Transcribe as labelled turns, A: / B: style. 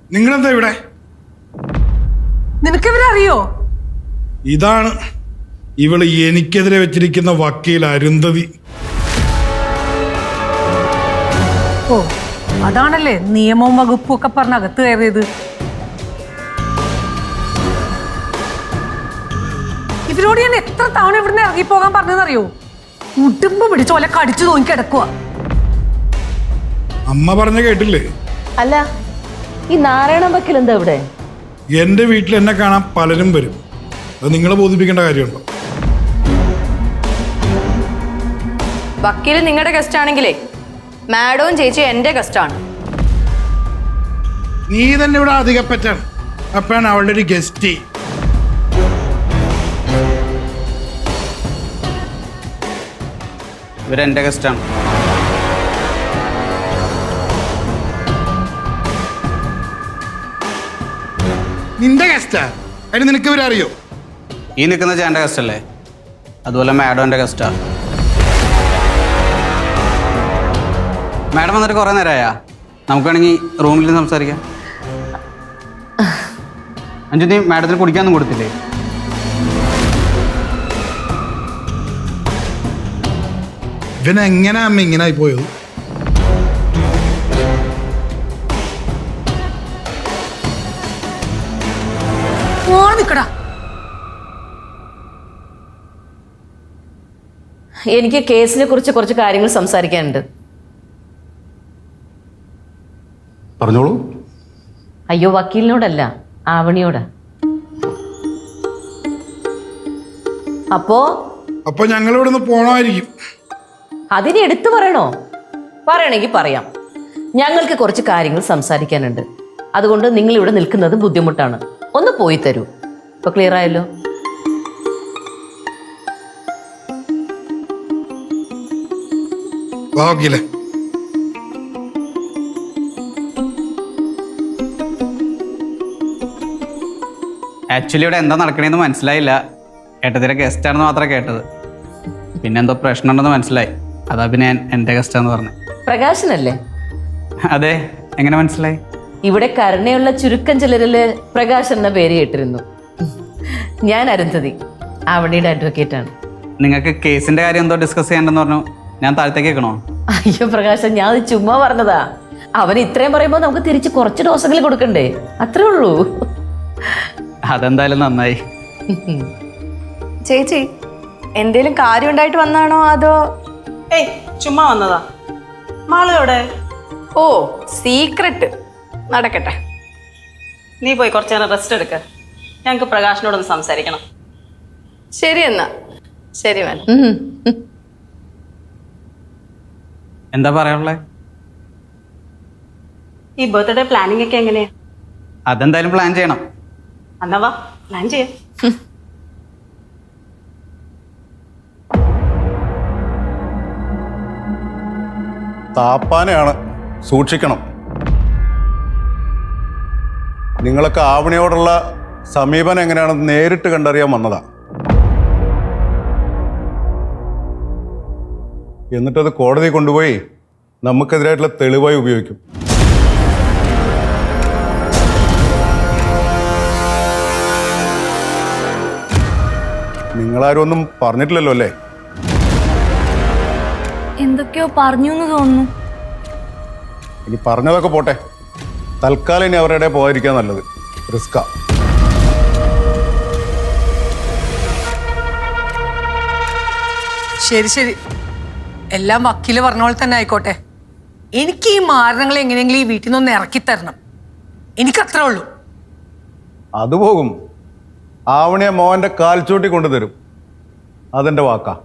A: നിങ്ങളെന്താ ഇവിടെ?
B: നിനക്കിവരെ അറിയോ?
A: ഇതാണ് ഇവള് എനിക്കെതിരെ വെച്ചിരിക്കുന്ന വക്കീൽ അരുന്ധതി.
B: ഓ, അതാണല്ലേ നിയമവും വകുപ്പും ഒക്കെ പറഞ്ഞ് അകത്ത് കയറിയത്. ഇവരോട് ഞാൻ എത്ര തവണ ഇവിടുന്ന് ഇറങ്ങിപ്പോകാൻ പറഞ്ഞതെന്നറിയോ? ഉടുമ്പ് പിടിച്ചോലെ കടിച്ചു നോക്കി കിടക്കുക.
A: അമ്മ പറഞ്ഞ കേട്ടില്ലേ?
C: അല്ല, ഈ നാരായണ വക്കീൽ എന്താ ഇവിടെ?
A: എന്റെ വീട്ടിൽ എന്നെ കാണാൻ പലരും വരും. അത് നിങ്ങളെ ബോധിപ്പിക്കേണ്ട കാര്യമുണ്ടോ?
D: വക്കീല് നിങ്ങളുടെ ഗസ്റ്റ് ആണെങ്കിലേ മാഡവും ചേച്ചി എന്റെ ഗസ്റ്റ് ആണ്.
A: നീ തന്നെ ഇവിടെ അധികപ്പറ്റാണ്. അപ്പാണ് അവളുടെ ഒരു ഗസ്റ്റ്.
E: ഇവരെന്റെ ഗസ്റ്റാണ്.
A: നിന്റെ ഗസ്റ്റാ? അതിന് നിനക്ക് ഇവരറിയോ?
E: ഈ നിൽക്കുന്ന ചേട്ടൻ്റെ ഗസ്റ്റ് അല്ലേ? അതുപോലെ മാഡം എൻ്റെ ഗസ്റ്റാ. മാഡം വന്നിട്ട് കുറേ നേരമായാ? നമുക്ക് വേണമെങ്കിൽ റൂമിൽ നിന്ന് സംസാരിക്കാം. അഞ്ചു, നീ മാഡത്തിന് കുടിക്കാനൊന്നും കൊടുത്തില്ലേ?
A: ഇവനെങ്ങനാ അമ്മ ഇങ്ങനെ ആയി പോയത്?
C: എനിക്ക് കേസിനെ കുറിച്ച് കുറച്ച് കാര്യങ്ങൾ സംസാരിക്കാനുണ്ട്.
F: പറഞ്ഞോളൂ.
C: അയ്യോ, വക്കീലിനോടല്ല, ആവണിയോടാ.
A: അപ്പൊ ഞങ്ങൾ ഇവിടെ നിന്ന് പോണമായിരിക്കും.
C: അതിനെ എടുത്തു പറയണോ? പറയണമെങ്കിൽ പറയാം. ഞങ്ങൾക്ക് കുറച്ച് കാര്യങ്ങൾ സംസാരിക്കാനുണ്ട്. അതുകൊണ്ട് നിങ്ങൾ ഇവിടെ നിൽക്കുന്നത് ബുദ്ധിമുട്ടാണ്. ഒന്ന് പോയി തരൂ. ഇപ്പൊ ക്ലിയർ ആയല്ലോ?
A: ഭാഗ്യല്ലേ?
E: ആക്ച്വലി ഇവിടെ എന്താ നടക്കണേന്ന് മനസ്സിലായില്ല. ഏട്ടത്തിൻ്റെ ഗസ്റ്റാണെന്ന് മാത്രമേ കേട്ടത്. പിന്നെ എന്തോ പ്രശ്നമുണ്ടെന്ന് മനസ്സിലായി. അതാ പിന്നെ ഞാൻ എൻ്റെ ഗസ്റ്റാന്ന് പറഞ്ഞു.
C: പ്രകാശനല്ലേ?
E: അതെ. എങ്ങനെ മനസ്സിലായി?
C: ഇവിടെ കരുണയുള്ള ചുരുക്കം ചിലരില് പ്രകാശ് എന്ന പേര് കേട്ടിരുന്നു. ഞാൻ അരുന്ധതി, ആവണിയുടെ അഡ്വക്കേറ്റ് ആണ്.
E: നിങ്ങൾക്ക് കേസിൻ്റെ കാര്യം എന്തോ ഡിസ്കസ് ചെയ്യണ്ടെന്ന് പറഞ്ഞു. ഞാൻ താഴത്തേക്ക് വെക്കണോ?
C: അയ്യോ പ്രകാശൻ, ഞാൻ അത് ചുമ്മാ പറഞ്ഞതാ. അവൻ ഇത്രയും പറയുമ്പോൾ നമുക്ക് തിരിച്ച് കുറച്ച് ഡോസുകൾ കൊടുക്കണ്ടേ? അത്രേ ഉള്ളൂ.
E: അതെന്തായാലും നന്നായി.
D: ചേച്ചി എന്തേലും കാര്യം ഉണ്ടായിട്ട് വന്നാണോ അതോ?
G: ഏയ്, ചുമ്മാ വന്നതാ. മാള് എവിടെ?
D: ഓ, സീക്രട്ട്. നടക്കട്ടെ.
G: നീ പോയി കുറച്ചു നേരം റെസ്റ്റ് എടുക്ക. ഞങ്ങൾക്ക് പ്രകാശിനോടൊന്ന് സംസാരിക്കണം.
D: ശരി എന്നാ. ശരി മാഡം.
E: എന്താ പറയാനുള്ളത്?
G: ഈ ബർത്ത്ഡേ പ്ലാനിങ് ഒക്കെ എങ്ങനെയാ?
E: അതെന്തായാലും പ്ലാൻ ചെയ്യണം.
G: എന്നാ വാ, പ്ലാൻ ചെയ്യാം.
F: താപ്പാനെയാണ്, സൂക്ഷിക്കണം. നിങ്ങളൊക്കെ ആവണിയോടുള്ള സമീപനം എങ്ങനെയാണെന്ന് നേരിട്ട് കണ്ടറിയാൻ വന്നതാ. എന്നിട്ടത് കോടതി കൊണ്ടുപോയി നമുക്കെതിരായിട്ടുള്ള തെളിവായി ഉപയോഗിക്കും. നിങ്ങളാരും ഒന്നും പറഞ്ഞിട്ടില്ലല്ലോ അല്ലേ?
D: എന്തൊക്കെയോ പറഞ്ഞു എന്ന് തോന്നുന്നു.
F: ഇനി പറഞ്ഞതൊക്കെ പോട്ടെ. തൽക്കാലം ഇനി അവരുടെ പോകാതിരിക്കാൻ നല്ലത്. റിസ്കാ.
B: ശരി ശരി, എല്ലാം വക്കീല് പറഞ്ഞ പോലെ തന്നെ ആയിക്കോട്ടെ. എനിക്ക് ഈ മാരണങ്ങൾ എങ്ങനെയെങ്കിലും ഈ വീട്ടിൽ നിന്നൊന്ന് ഇറക്കി തരണം. എനിക്കത്രേ ഉള്ളൂ.
F: അത് പോകും. ആവണിയെ മോഹന്റെ കാൽച്ചൂട്ടി കൊണ്ടുതരും. അതെന്റെ വാക്കാ.